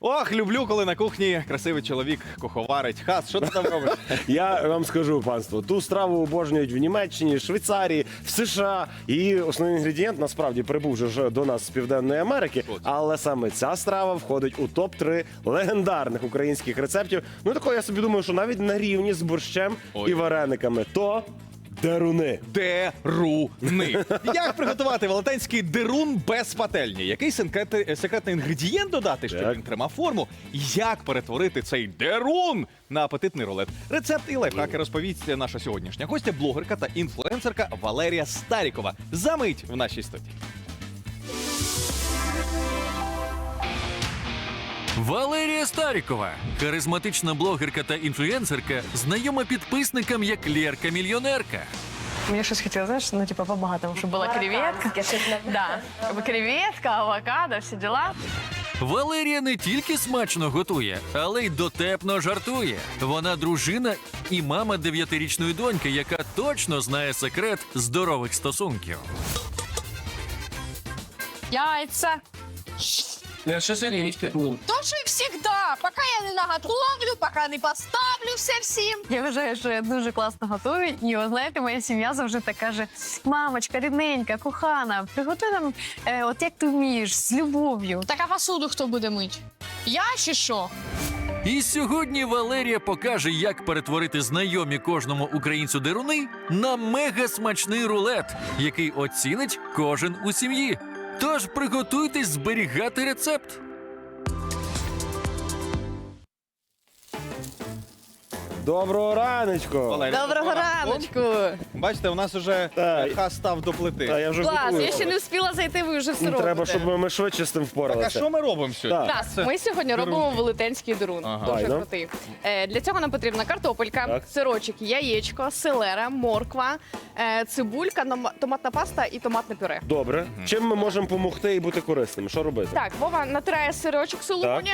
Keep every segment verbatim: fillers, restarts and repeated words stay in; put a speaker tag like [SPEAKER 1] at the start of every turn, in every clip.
[SPEAKER 1] Ох, люблю, коли на кухні красивий чоловік куховарить. Хас, що ти там робиш?
[SPEAKER 2] Я вам скажу, панство, ту страву обожнюють в Німеччині, Швейцарії, в США. І основний інгредієнт, насправді, прибув вже ж до нас з Південної Америки. Але саме ця страва входить у топ три легендарних українських рецептів. Ну, такого, я собі думаю, що навіть на рівні з борщем
[SPEAKER 1] Ой.
[SPEAKER 2] і варениками. То деруни.
[SPEAKER 1] Деруни. Як приготувати велетенський дерун без пательні? Який секретний, секретний інгредієнт додати, щоб
[SPEAKER 2] Так.
[SPEAKER 1] він тримав форму? Як перетворити цей дерун на апетитний рулет? Рецепт і лайфхаки розповість наша сьогоднішня гостя, блогерка та інфлюенсерка Валерія Старікова. Замить в нашій студії.
[SPEAKER 3] Валерія Старікова, харизматична блогерка та інфлюенсерка, знайома підписникам як Лєрка-мільйонерка.
[SPEAKER 4] Мне щось хотелось, знаешь, ну типа по-богатому, чтобы была креветка. Да, чтобы креветка, авокадо, все дела.
[SPEAKER 3] Валерія не тільки смачно готує, але й дотепно жартує. Вона дружина і мама дев'ятирічної доньки, яка точно знає секрет здорових стосунків.
[SPEAKER 4] Яйца.
[SPEAKER 5] Тоже и всегда. Пока я не наготовлю, пока не поставлю все всім.
[SPEAKER 4] Я вважаю, що я дуже класно готую. І от, знаєте, моя сім'я завжди так каже: мамочка, рідненька, кохана, приготуй нам, е, от як ти вмієш, з любов'ю.
[SPEAKER 5] Так а посуду хто буде мить? Я чи що?
[SPEAKER 3] І сьогодні Валерія покаже, як перетворити знайомі кожному українцю деруни на мега-смачний рулет, який оцінить кожен у сім'ї. Тож приготуйтесь зберігати рецепт.
[SPEAKER 2] Доброго раночку!
[SPEAKER 1] Валерія,
[SPEAKER 4] Доброго раночку!
[SPEAKER 1] Бачите, у нас уже
[SPEAKER 2] Так.
[SPEAKER 1] е, Хас став до плити.
[SPEAKER 2] Та я вже
[SPEAKER 4] Клас,
[SPEAKER 2] готую.
[SPEAKER 4] я ще не встигла зайти, ви вже все робите.
[SPEAKER 2] Треба, щоб ми швидше з тим
[SPEAKER 1] Так, а
[SPEAKER 2] впоралися.
[SPEAKER 1] що ми робимо сьогодні?
[SPEAKER 2] Так.
[SPEAKER 4] Так,
[SPEAKER 1] Це
[SPEAKER 4] ми сьогодні
[SPEAKER 1] дерун.
[SPEAKER 4] робимо велетенський дерун.
[SPEAKER 1] Ага.
[SPEAKER 4] Дуже
[SPEAKER 2] Файно.
[SPEAKER 4] крутий. Е, Для цього нам потрібна картопелька,
[SPEAKER 2] Так.
[SPEAKER 4] сирочок, яєчко, селера, морква, е, цибулька, nom- томатна паста і томатне пюре.
[SPEAKER 2] Добре. Чим ми можемо допомогти і бути корисними? Що робити?
[SPEAKER 4] Так, Вова натирає сирочок сулугуні,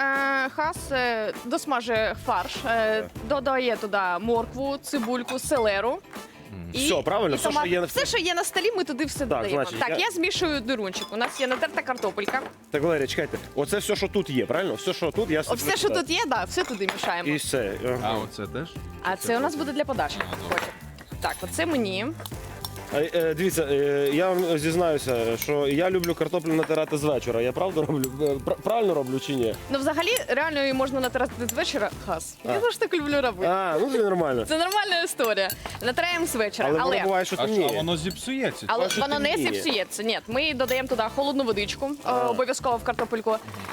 [SPEAKER 4] е, Хас е, досмажує фарш, е, додає туди моркву, цибульку, селеру.
[SPEAKER 2] Все, правильно? Все, що є на-
[SPEAKER 4] все, що є на столі, ми туди все додаємо.
[SPEAKER 2] значить,
[SPEAKER 4] так,
[SPEAKER 2] я-
[SPEAKER 4] я... змішую дерунчик. У нас є натерта картопелька.
[SPEAKER 2] Так, Валерія, чекайте. Оце все, що тут є, правильно? Все, що тут, я
[SPEAKER 4] О, все, що тут є, да, все туди мішаємо.
[SPEAKER 2] І все.
[SPEAKER 1] А
[SPEAKER 2] Ага.
[SPEAKER 1] оце теж?
[SPEAKER 4] А це у нас буде для подачі. Потім. Так, оце мені.
[SPEAKER 2] А, е, дивіться, е, я вам зізнаюся, що я люблю картоплю натирати з вечора. Я правду роблю? Е, пр- Правильно роблю чи ні?
[SPEAKER 4] Ну, взагалі, реально її можна натирати з вечора. Хас. Я завжди так люблю робити.
[SPEAKER 2] А, ну це нормально.
[SPEAKER 4] Це нормальна історія. Натираємо з вечора,
[SPEAKER 2] Але,
[SPEAKER 4] але,
[SPEAKER 2] воно буває, що
[SPEAKER 1] А що,
[SPEAKER 2] темніє.
[SPEAKER 1] воно зіпсується?
[SPEAKER 4] але
[SPEAKER 2] Та, що
[SPEAKER 4] воно не
[SPEAKER 2] темніє.
[SPEAKER 4] зіпсується. Ні, ми додаємо туди холодну водичку, е, обов'язково в картопельку.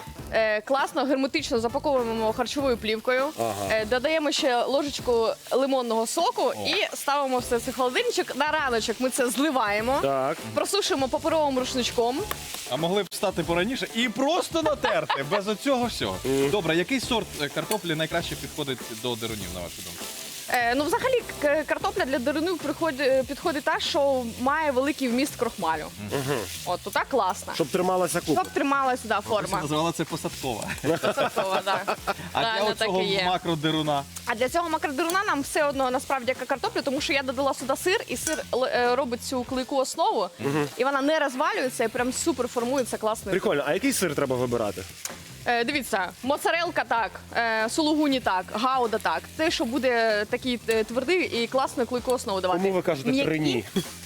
[SPEAKER 4] Е, класно, герметично запаковуємо харчовою плівкою.
[SPEAKER 2] Ага.
[SPEAKER 4] Е, додаємо ще ложечку лимонного соку і ставимо все це в холодильничок. На раночок ми це зливаємо,
[SPEAKER 2] Так.
[SPEAKER 4] просушуємо паперовим рушничком.
[SPEAKER 1] А могли б встати пораніше і просто натерти, без оцього всього. Добре, який сорт е, картоплі найкраще підходить до дерунів, на вашу думку?
[SPEAKER 4] Е, ну, взагалі, к- картопля для дерунів приходить, підходить та, що має великий вміст крохмалю. От, то так класно.
[SPEAKER 2] Щоб трималася купа.
[SPEAKER 4] Щоб трималася да, форма.
[SPEAKER 1] Називала це посадкова.
[SPEAKER 4] Посадкова, да.
[SPEAKER 1] А для
[SPEAKER 4] Реально так
[SPEAKER 1] оцього
[SPEAKER 4] і є.
[SPEAKER 1] макродеруна?
[SPEAKER 4] А для цього макродеруна нам все одно насправді як картоплю, тому що я додала сюди сир, і сир л- е, робить цю клейку основу, і вона не розвалюється, і прям супер формується класно.
[SPEAKER 2] Прикольно. А який сир треба вибирати?
[SPEAKER 4] Е, дивіться, моцарелка так, е, сулугуні так, гауда так. Те, що буде такий е, твердий і класну клейку основу давати.
[SPEAKER 2] Кому ви кажете
[SPEAKER 4] М'які
[SPEAKER 2] хрені?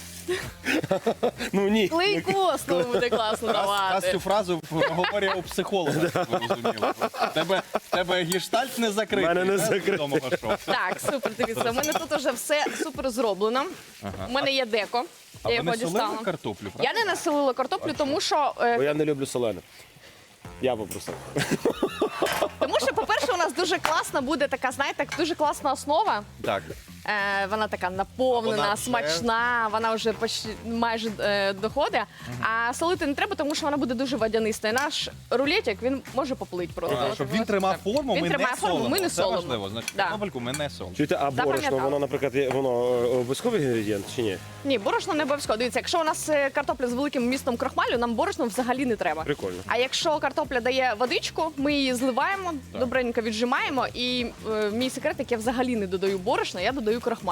[SPEAKER 2] Ну ні.
[SPEAKER 4] Клейку основу буде класно
[SPEAKER 1] Раз
[SPEAKER 4] давати.
[SPEAKER 1] цю фразу говорить у психолога, щоб ви розуміли. В Тебе, в тебе гештальт не закритий.
[SPEAKER 2] В мене не
[SPEAKER 1] да, з
[SPEAKER 2] закритий.
[SPEAKER 1] відомого шоу.
[SPEAKER 4] Так, супер, дивіться, у мене тут вже все супер зроблено. У мене є деко.
[SPEAKER 1] А
[SPEAKER 4] Я
[SPEAKER 1] ви
[SPEAKER 4] його
[SPEAKER 1] не солили
[SPEAKER 4] дістала.
[SPEAKER 1] картоплю,
[SPEAKER 4] Я
[SPEAKER 1] правда?
[SPEAKER 4] не насолила картоплю, тому що, е,
[SPEAKER 2] Бо я не люблю солене. Я попросив.
[SPEAKER 4] тому що, по-перше, у нас дуже класна буде така, знаєте, дуже класна основа.
[SPEAKER 1] Так.
[SPEAKER 4] Е, вона така наповнена,
[SPEAKER 1] Вона вже-
[SPEAKER 4] смачна, вона вже почти майже е, доходить. А солити не треба, тому що вона буде дуже водяниста. І наш рулетик, він може поплити просто.
[SPEAKER 1] А,
[SPEAKER 4] От
[SPEAKER 1] щоб
[SPEAKER 4] його
[SPEAKER 1] він тримав
[SPEAKER 4] так.
[SPEAKER 1] форму,
[SPEAKER 4] Він
[SPEAKER 1] ми
[SPEAKER 4] тримає
[SPEAKER 1] не
[SPEAKER 4] форму,
[SPEAKER 1] солимо.
[SPEAKER 4] ми не
[SPEAKER 1] Це
[SPEAKER 4] солимо.
[SPEAKER 1] важливо. Значить,
[SPEAKER 4] Да.
[SPEAKER 1] картопельку ми не солимо.
[SPEAKER 2] Чуєте, а борошно,
[SPEAKER 4] Запам'ятала.
[SPEAKER 2] воно, наприклад, є- воно е, обов'язковий інгредієнт чи ні?
[SPEAKER 4] Ні, борошно не обов'язково. Дивіться, якщо у нас е, картопля з великим вмістом крохмалю, нам борошно взагалі не треба.
[SPEAKER 2] Прикольно.
[SPEAKER 4] А якщо картопля дає водичку, ми її зливаємо, добренько віджимаємо. І е, мій секрет, як я взагалі не додаю борошна, я додаю крохмаль.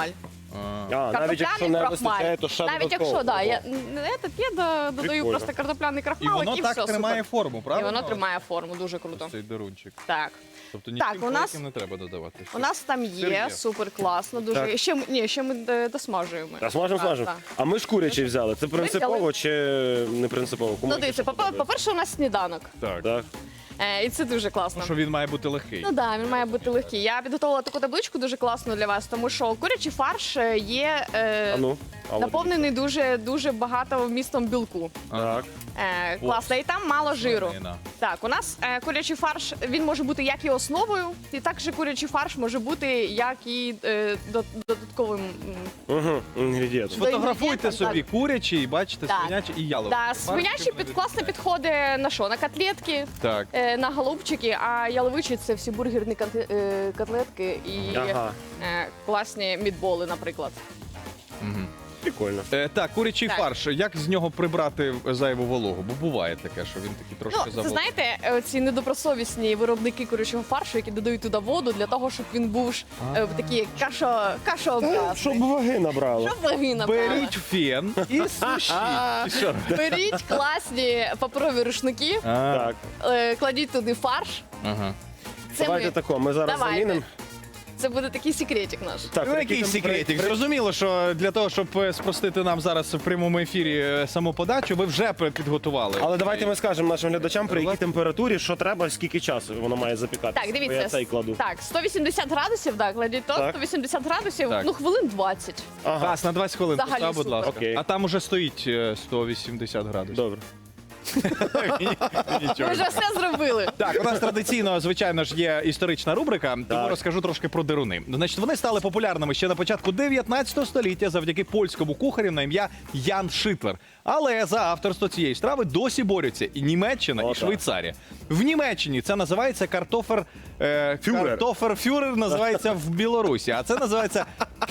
[SPEAKER 2] А, навіть якщо
[SPEAKER 4] Картопляний
[SPEAKER 2] не вистачає,
[SPEAKER 4] крахмаль.
[SPEAKER 2] то ще
[SPEAKER 4] Навіть
[SPEAKER 2] додатково.
[SPEAKER 4] якщо, да, я, не этот, я до- додаю
[SPEAKER 2] Прикольно.
[SPEAKER 4] просто картопляний
[SPEAKER 1] І
[SPEAKER 4] крахмалик,
[SPEAKER 1] воно
[SPEAKER 4] і
[SPEAKER 1] так
[SPEAKER 4] все,
[SPEAKER 1] тримає
[SPEAKER 4] супер.
[SPEAKER 1] форму,
[SPEAKER 4] І
[SPEAKER 1] правильно?
[SPEAKER 4] воно тримає форму, дуже круто.
[SPEAKER 1] Ось цей дерунчик.
[SPEAKER 4] Так.
[SPEAKER 1] Тобто
[SPEAKER 4] Так,
[SPEAKER 1] нічим
[SPEAKER 4] у нас-
[SPEAKER 1] великим не треба додавати.
[SPEAKER 4] У нас там
[SPEAKER 1] Сир
[SPEAKER 4] є,
[SPEAKER 1] є.
[SPEAKER 4] супер класно, дуже.
[SPEAKER 2] Так.
[SPEAKER 4] Ще, м- ні, ще ми е, досмажуємо.
[SPEAKER 2] А смажемо,
[SPEAKER 4] Так,
[SPEAKER 2] смажемо.
[SPEAKER 4] так.
[SPEAKER 2] А ми ж курячий взяли. Це принципово
[SPEAKER 4] взяли.
[SPEAKER 2] чи не принципово? Кому
[SPEAKER 4] Ну,
[SPEAKER 2] яке
[SPEAKER 4] дивіться,
[SPEAKER 2] що
[SPEAKER 4] попе-
[SPEAKER 2] подобається?
[SPEAKER 4] по-перше, у нас сніданок.
[SPEAKER 1] Так.
[SPEAKER 2] Так.
[SPEAKER 4] Е, і це дуже класно.
[SPEAKER 1] Що він має бути легкий.
[SPEAKER 4] Ну так, він має бути легкий. Я підготувала таку табличку дуже класну для вас, тому що курячий фарш е, є е,
[SPEAKER 2] А ну. а от
[SPEAKER 4] наповнений дуже дуже багато вмістом білку.
[SPEAKER 2] Так.
[SPEAKER 4] Е, класно, і там мало жиру.
[SPEAKER 1] Свинина.
[SPEAKER 4] Так, у нас е, курячий фарш він може бути як і основою, і також курячий фарш може бути як і е, до- додатковим. м,
[SPEAKER 2] Угу. Інгредієнт.
[SPEAKER 1] Сфотографуйте
[SPEAKER 4] інгредієнтам,
[SPEAKER 1] собі курячий, бачите,
[SPEAKER 4] Так.
[SPEAKER 1] свинячий і яловий.
[SPEAKER 4] Да, свинячий під класно підходить на що? На котлетки,
[SPEAKER 1] Так.
[SPEAKER 4] е, на голубчики, а яловичі це всі бургерні конте- е, котлетки і
[SPEAKER 2] Ага.
[SPEAKER 4] е, класні мідболи, наприклад.
[SPEAKER 2] Прикольно.
[SPEAKER 1] Е, так, курячий
[SPEAKER 4] Так.
[SPEAKER 1] фарш. Як з нього прибрати зайву вологу? Бо буває таке, що він такий трошки
[SPEAKER 4] Ну, це
[SPEAKER 1] заволокий.
[SPEAKER 4] знаєте, ці недобросовісні виробники курячого фаршу, які додають туди воду для того, щоб він був ж е, такий кашо, кашообразний.
[SPEAKER 2] Щоб ваги набрало.
[SPEAKER 4] Щоб ваги набрали.
[SPEAKER 1] Беріть фен і сушіть. І що робити?
[SPEAKER 4] Беріть класні паперові рушники,
[SPEAKER 1] А,
[SPEAKER 2] Так.
[SPEAKER 4] е, кладіть туди фарш.
[SPEAKER 1] Ага.
[SPEAKER 4] Це,
[SPEAKER 2] Давайте
[SPEAKER 4] ми,
[SPEAKER 2] тако, ми зараз
[SPEAKER 4] Давайте.
[SPEAKER 2] замінимо.
[SPEAKER 4] це буде такий секретик наш.
[SPEAKER 2] Так,
[SPEAKER 1] Ну, який
[SPEAKER 2] там
[SPEAKER 1] секретик?
[SPEAKER 2] при-
[SPEAKER 1] Зрозуміло, що для того, щоб е, спростити нам зараз в прямому ефірі е, саму подачу, ви вже пе- підготували.
[SPEAKER 2] Але давайте ми скажемо нашим глядачам, при якій температурі, що треба, скільки часу воно має запікатися.
[SPEAKER 4] Так,
[SPEAKER 2] Бо
[SPEAKER 4] дивіться.
[SPEAKER 2] Я цей кладу.
[SPEAKER 4] Так, сто вісімдесят градусів, так, кладіть то,
[SPEAKER 2] Так.
[SPEAKER 4] сто вісімдесят градусів,
[SPEAKER 1] Так.
[SPEAKER 4] ну хвилин двадцять.
[SPEAKER 2] Ага,
[SPEAKER 1] Газ на двадцять хвилин,
[SPEAKER 4] Взагалі
[SPEAKER 1] постав, будь
[SPEAKER 4] супер.
[SPEAKER 1] ласка.
[SPEAKER 2] Окей.
[SPEAKER 1] А там уже стоїть е, сто вісімдесят градусів.
[SPEAKER 2] добре.
[SPEAKER 4] Ми вже все зробили.
[SPEAKER 1] Так, у нас традиційно, звичайно ж, є історична рубрика, тому
[SPEAKER 2] Так.
[SPEAKER 1] розкажу трошки про деруни. Значить, вони стали популярними ще на початку дев'ятнадцятого століття завдяки польському кухарю на ім'я Ян Шитлер. Але за авторство цієї страви досі борються і Німеччина,
[SPEAKER 2] О,
[SPEAKER 1] і
[SPEAKER 2] так.
[SPEAKER 1] Швейцарія. В Німеччині це називається картофер... Е,
[SPEAKER 2] Фюрер.
[SPEAKER 1] Картофер фюрер називається в Білорусі, а це називається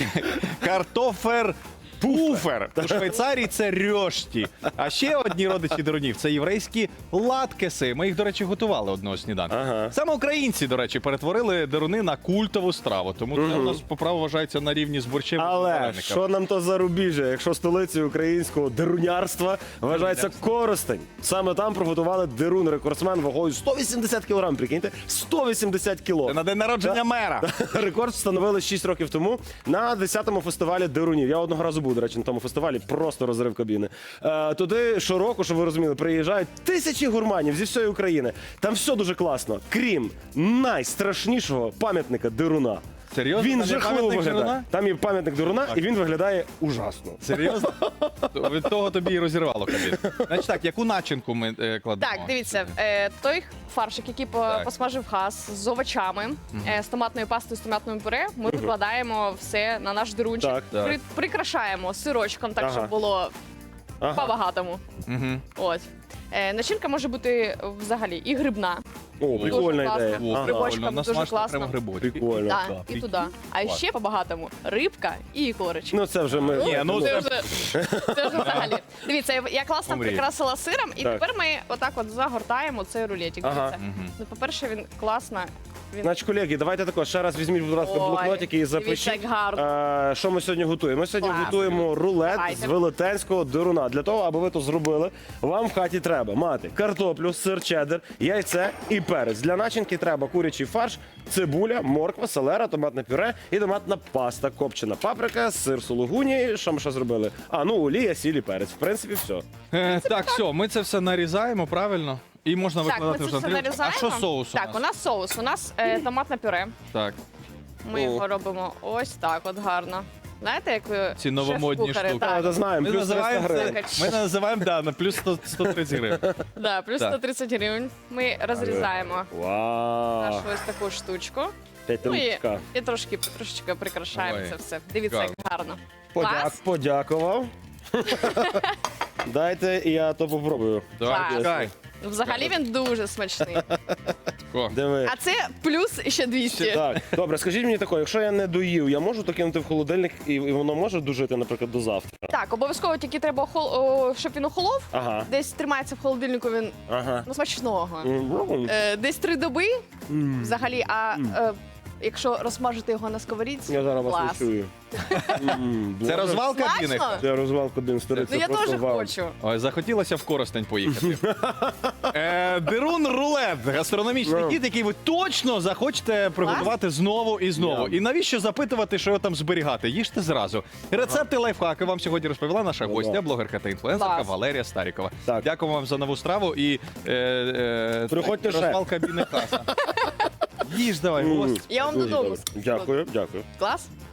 [SPEAKER 1] картофер... Пуфер. У Швейцарії це рьошті. А ще одні родичі дерунів це єврейські латкеси. Ми їх, до речі, готували одного сніданку.
[SPEAKER 2] Ага.
[SPEAKER 1] Саме українці, до речі, перетворили деруни на культову страву. Тому це у нас по праву вважається на рівні з борщем. і
[SPEAKER 2] Але
[SPEAKER 1] варениками.
[SPEAKER 2] що нам то зарубіжжя, якщо столицею українського дерунярства вважається Коростень. Саме там приготували дерун рекордсмен вагою сто вісімдесят кілограм. Прикиньте, сто вісімдесят кіло.
[SPEAKER 1] Це на день народження мера.
[SPEAKER 2] Рекорд встановили шість років тому на десятому фестивалі дерунів. Я одного разу був, до речі, на тому фестивалі, просто розрив кабіни. Е, туди щороку, щоб ви розуміли, приїжджають тисячі гурманів зі всієї України. Там все дуже класно, крім найстрашнішого пам'ятника деруна.
[SPEAKER 1] Серйозно?
[SPEAKER 2] Він
[SPEAKER 1] Там є
[SPEAKER 2] жахливо
[SPEAKER 1] пам'ятник
[SPEAKER 2] виглядає.
[SPEAKER 1] деруна?
[SPEAKER 2] Там є пам'ятник деруна, і він виглядає ужасно.
[SPEAKER 1] Серйозно? То Від того тобі і розірвало кабіну. Значить так, яку начинку ми е, кладемо?
[SPEAKER 4] Так, дивіться, е, той фаршик, який по-
[SPEAKER 1] Так.
[SPEAKER 4] посмажив газ з овочами, е, з томатною пастою, з томатним пюре, ми викладаємо все на наш дерунчик,
[SPEAKER 2] Так.
[SPEAKER 1] Так.
[SPEAKER 4] При- прикрашаємо сирочком, так,
[SPEAKER 2] Ага.
[SPEAKER 4] щоб було
[SPEAKER 2] Ага.
[SPEAKER 4] по-багатому.
[SPEAKER 1] Угу.
[SPEAKER 4] Ось. Е, начинка може бути взагалі і грибна.
[SPEAKER 2] О, прикольна
[SPEAKER 4] класно.
[SPEAKER 2] ідея.
[SPEAKER 4] О,
[SPEAKER 2] Ага.
[SPEAKER 4] грибочком дуже класно.
[SPEAKER 1] прямо грибочки.
[SPEAKER 2] Прикольно.
[SPEAKER 4] Да,
[SPEAKER 1] да.
[SPEAKER 4] і туди. А
[SPEAKER 1] Клас.
[SPEAKER 4] ще по-багатому рибка і корочка.
[SPEAKER 2] Ну це вже ми.
[SPEAKER 1] Ні, ну,
[SPEAKER 4] це,
[SPEAKER 1] це-
[SPEAKER 4] вже, це вже взагалі. Дивіться, я- я класно
[SPEAKER 1] Помрій.
[SPEAKER 4] прикрасила сиром, і
[SPEAKER 2] Так.
[SPEAKER 4] тепер ми отак от загортаємо цей рулетик.
[SPEAKER 2] Ага.
[SPEAKER 4] Дивіться. Ну, по-перше, він класно. Він...
[SPEAKER 2] Значить, колеги, давайте також ще раз візьміть, будь ласка,
[SPEAKER 4] Ой,
[SPEAKER 2] блокнотики і
[SPEAKER 4] дивіться,
[SPEAKER 2] запишіть.
[SPEAKER 4] як гарно.
[SPEAKER 2] Е, що ми сьогодні готуємо? Ми сьогодні
[SPEAKER 4] Класно.
[SPEAKER 2] готуємо рулет
[SPEAKER 4] Давайте.
[SPEAKER 2] з велетенського деруна. Для того, аби ви то зробили, вам в хаті треба мати картоплю, сир чеддер, яйце і перець. Для начинки треба курячий фарш, цибуля, морква, селера, томатне пюре і томатна паста, копчена паприка, сир сулугуні. Що ми ще зробили? А, ну олія, сіль і перець. В принципі, все.
[SPEAKER 1] Е, так, все, ми це все нарізаємо, правильно? І можна
[SPEAKER 4] Так, ми
[SPEAKER 1] викладати
[SPEAKER 4] це
[SPEAKER 1] вже на
[SPEAKER 4] все
[SPEAKER 1] тарілку.
[SPEAKER 4] нарізаємо.
[SPEAKER 1] А що соус у
[SPEAKER 4] Так,
[SPEAKER 1] нас?
[SPEAKER 4] у нас соус. У нас е, томатне пюре.
[SPEAKER 1] Так.
[SPEAKER 4] Ми
[SPEAKER 2] О.
[SPEAKER 4] його робимо ось так от гарно. Знаєте, як ви
[SPEAKER 1] Ці новомодні
[SPEAKER 4] шеф-кухари,
[SPEAKER 1] штуки.
[SPEAKER 2] А,
[SPEAKER 4] Так,
[SPEAKER 2] це знаємо,
[SPEAKER 1] Ми
[SPEAKER 2] плюс триста
[SPEAKER 1] називаємо
[SPEAKER 2] гривень.
[SPEAKER 1] це, ми називаємо да, на плюс сто, сто тридцять гривень.
[SPEAKER 4] да, плюс
[SPEAKER 1] Так.
[SPEAKER 4] сто тридцять гривень. Ми розрізаємо
[SPEAKER 2] Вау!
[SPEAKER 4] нашу ось таку штучку. Ну і,
[SPEAKER 2] П'ятиручка.
[SPEAKER 4] і трошки, трошечки прикрашаємо
[SPEAKER 1] Ой,
[SPEAKER 4] це все. Дивіться, як гарно.
[SPEAKER 2] Подяк,
[SPEAKER 4] Клас.
[SPEAKER 2] подякував. Дайте я то попробую.
[SPEAKER 1] Давай,
[SPEAKER 4] Так.
[SPEAKER 1] чекай.
[SPEAKER 4] Ну, взагалі він дуже смачний.
[SPEAKER 1] О,
[SPEAKER 2] Диви.
[SPEAKER 4] А це плюс ще двісті.
[SPEAKER 2] Так, добре, скажіть мені таке, якщо я не доїв, я можу то кинути в холодильник і, і воно може дожити, наприклад, до завтра?
[SPEAKER 4] Так, обов'язково тільки треба, охол- о, щоб він охолов.
[SPEAKER 2] Ага.
[SPEAKER 4] Десь тримається в холодильнику він
[SPEAKER 2] Ага.
[SPEAKER 4] ну, смачного.
[SPEAKER 2] М,
[SPEAKER 4] Е, десь три доби взагалі, а е, якщо розсмажити його на сковорідці,
[SPEAKER 2] Я зараз вас
[SPEAKER 4] клас.
[SPEAKER 2] не чую. М,
[SPEAKER 1] Це
[SPEAKER 2] Боже.
[SPEAKER 1] розвалка
[SPEAKER 4] Смачно?
[SPEAKER 1] Біник.
[SPEAKER 2] Це розвалка один старий.
[SPEAKER 4] Ну
[SPEAKER 2] це
[SPEAKER 4] я
[SPEAKER 2] просто
[SPEAKER 4] теж
[SPEAKER 2] вау.
[SPEAKER 4] хочу.
[SPEAKER 1] Ой, захотілося в Коростень поїхати. е, Дерун рулет гастрономічний
[SPEAKER 2] Ну.
[SPEAKER 1] хід, який ви точно захочете приготувати знову і знову.
[SPEAKER 2] Yeah.
[SPEAKER 1] І навіщо запитувати, що його там зберігати? Їжте зразу. Рецепти лайфхаки вам сьогодні розповіла наша
[SPEAKER 2] Ну,
[SPEAKER 1] гостя,
[SPEAKER 2] да.
[SPEAKER 1] блогерка та інфлюенсерка
[SPEAKER 4] Клас.
[SPEAKER 1] Валерія Старікова.
[SPEAKER 2] Так.
[SPEAKER 1] Дякуємо вам за нову страву і е, е,
[SPEAKER 2] Приходьте ще.
[SPEAKER 1] розвалка Біника. Їж давай,
[SPEAKER 2] М,
[SPEAKER 1] гость.
[SPEAKER 4] Я вам
[SPEAKER 2] дуже
[SPEAKER 4] додому.
[SPEAKER 2] добре. Дякую, дякую.
[SPEAKER 4] Клас?